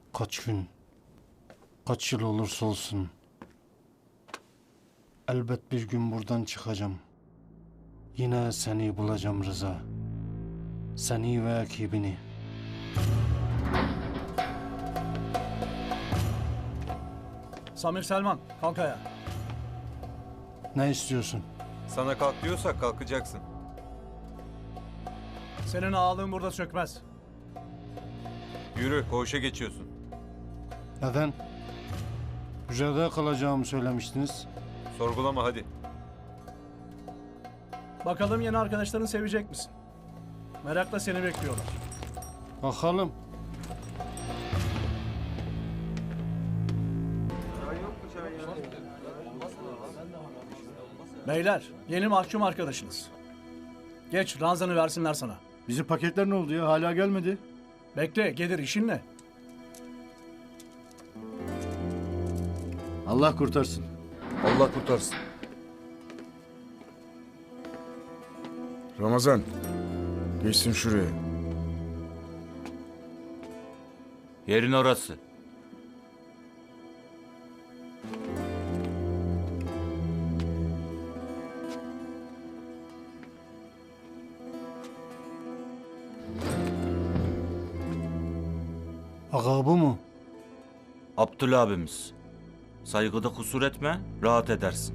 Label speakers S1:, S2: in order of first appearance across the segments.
S1: Kaç gün, kaç yıl olursa olsun elbet bir gün buradan çıkacağım. Yine seni bulacağım Rıza. Seni ve ekibini.
S2: Samir Selman, kalk ayağa.
S1: Ne istiyorsun?
S3: Sana kalk diyorsak kalkacaksın.
S2: Senin ağalığın burada sökmez.
S3: Yürü, koğuşa geçiyorsun.
S1: Neden? Hücrede kalacağımı söylemiştiniz.
S3: Sorgulama hadi.
S2: Bakalım yeni arkadaşlarını sevecek misin? Merakla seni bekliyorlar.
S1: Bakalım.
S2: Beyler, yeni mahkum arkadaşınız. Geç, ranzanı versinler sana.
S4: Bizim paketler ne oldu ya? Hala gelmedi.
S2: Bekle, gelir işin ne?
S4: Allah kurtarsın.
S5: Allah kurtarsın. Ramazan, geçsin şuraya.
S6: Yerin orası.
S1: Ağa bu mu?
S6: Abdül abimiz. Saygıda kusur etme, rahat edersin.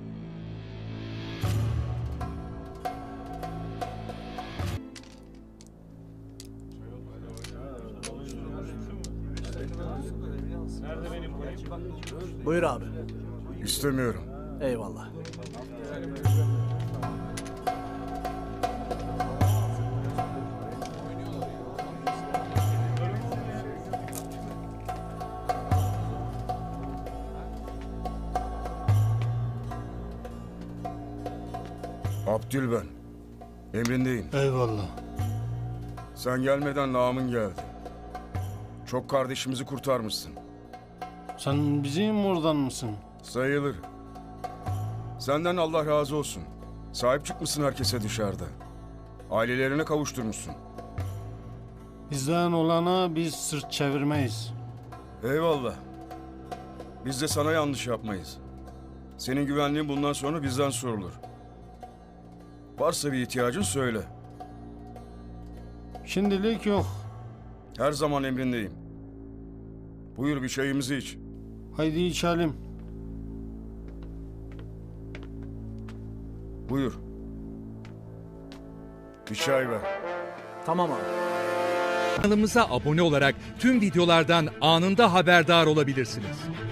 S2: Buyur abi.
S5: İstemiyorum.
S2: Eyvallah.
S5: Abdül ben. Emrindeyim.
S1: Eyvallah.
S5: Sen gelmeden namın geldi. Çok kardeşimizi kurtarmışsın.
S1: Sen bizim oradan mısın?
S5: Sayılır. Senden Allah razı olsun. Sahip çıkmışsın herkese dışarıda. Ailelerine kavuşturmuşsun.
S1: Bizden olana biz sırt çevirmeyiz.
S5: Eyvallah. Biz de sana yanlış yapmayız. Senin güvenliğin bundan sonra bizden sorulur. Varsa bir ihtiyacın söyle.
S1: Şimdilik yok.
S5: Her zaman emrindeyim. Buyur bir çayımızı iç.
S1: Haydi içelim.
S5: Buyur. Bir çay ver.
S2: Tamam abi.
S7: Kanalımıza abone olarak tüm videolardan anında haberdar olabilirsiniz.